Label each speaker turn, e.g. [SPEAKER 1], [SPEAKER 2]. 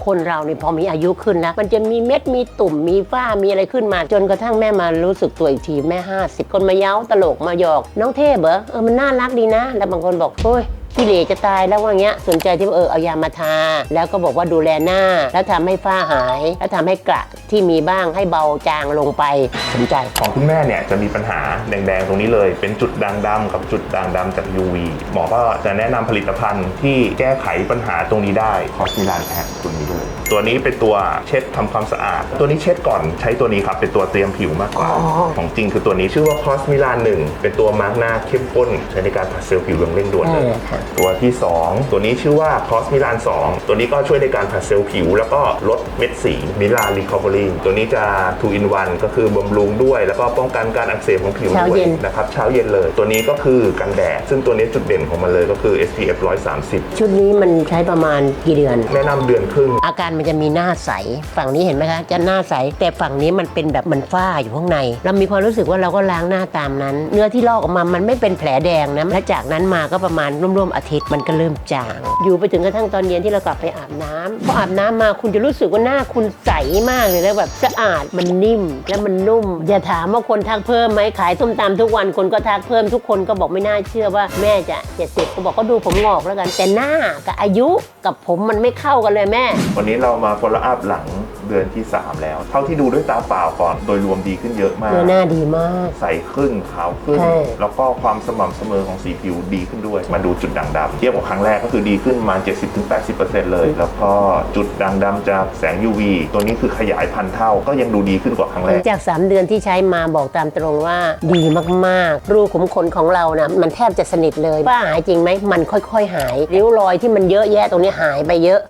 [SPEAKER 1] คนเราเนี่ยพอมีอายุขึ้นนะมันจะมีเม็ดมีตุ่มมีฝ้ามีอะไรขึ้นมาจนกระทั่งแม่มารู้สึกตัวอีกทีแม่50คนมาเย้าตลกมาหยอกน้องเทพเหรอมันน่ารักดีนะแล้วบางคนบอกโอ้ยขี้เหร่จะตายแล้วว่าเงี้ยสนใจที่ว่าเอายามาทาแล้วก็บอกว่าดูแลหน้าแล้วทำให้ฝ้าหายแล้วทำให้กระที่มีบ้างให้เบาจางลงไปสนใจ
[SPEAKER 2] ของคุณแม่เนี่ยจะมีปัญหาแดงๆตรงนี้เลยเป็นจุดด่างดำกับจุดด่างดำจาก UV หมอก็จะแนะนำผลิตภัณฑ์ที่แก้ไขปัญหาตรงนี้ได้คอสมิลานแพ็คตัวนี้ด้วยตัวนี้เป็นตัวเช็ดทำความสะอาดตัวนี้เช็ดก่อนใช้ตัวนี้ครับเป็นตัวเตรียมผิวมากกว่าของจริงคือตัวนี้ชื่อว่าคอสมิลาน1เป็นตัวมาร์กหน้าเข้มข้นใช้ในการผัดเซลล์ผิวอย่างเร่งด่วนเลยตัวที่2ตัวนี้ชื่อว่าคอสมิลาน2ตัวนี้ก็ช่วยในการผัดเซลล์ผิวแล้วก็ลดเม็ดสีมิลานรีคอเวอรี่ตัวนี้จะ 2 in 1ก็คือบำรุงด้วยแล้วก็ป้องกันการอักเสบของผิวด้วยนะครับเช้าเย็นเลยตัวนี้ก็คือกันแดดซึ่งตัวนี้จุดเด่นของมันเลยก็คือ SPF 130
[SPEAKER 1] ชุดนี้มันใช้ประมาณกี่เดือน
[SPEAKER 2] แนะนำเดือนครึ่ง
[SPEAKER 1] อาการมันจะมีหน้าใสฝั่งนี้เห็นไหมคะจะหน้าใสแต่ฝั่งนี้มันเป็นแบบมันฝ้าอยู่ข้างในเรามีความรู้สึกว่าเราก็ล้างหน้าตามนั้นเนื้อที่ลอกออกมามันไม่เป็นแผลแดงนะและจากนั้นมาก็ประมาณร่วมๆอาทิตย์มันก็เริ่มจางอยู่ไปถึงกระทั่งตอนเย็นที่เรากลับไปอาบน้ำพออาบน้ำมาคุณจะรู้สึกว่าหน้าคุณใสมากเลยแล้วแบบสะอาดมันนิ่มและมันนุ่มอย่าถามว่าคนทักเพิ่มไหมขายส้มตำทุกวันคนก็ทักเพิ่มทุกคนก็บอกไม่น่าเชื่อว่าแม่จะ70ก็บอกก็ดูผมงอกแล้วกันแต่หน้ากับอายุกับผมมันไม่เข้ากันเลยแม่
[SPEAKER 2] วันนี้เรามา follow up หลังเดือนที่3แล้วเท่าที่ดูด้วยตาเปล่าก่อนโดยรวมดีขึ้นเยอะมาก
[SPEAKER 1] หน้าดีมาก
[SPEAKER 2] ใสขึ้นขาวขึ้นแล้วก็ความสม่ำเสมอของสีผิวดีขึ้นด้วยมาดูจุดด่างดำเทียบกับครั้งแรกก็คือดีขึ้นมา 70-80% เลยแล้วก็จุดด่างดำจากแสง UV ตัวนี้คือขยายพันเท่าก็ยังดูดีขึ้นกว่าครั้งแรก
[SPEAKER 1] จาก3 เดือนที่ใช้มาบอกตามตรงว่าดีมากๆรูขุมขนของเรานะมันแทบจะสนิทเลยฝ้าหายจริงไหมมันค่อยๆหายริ้วรอยที่มันเยอะแยะตรงนี้หายไปเยอะ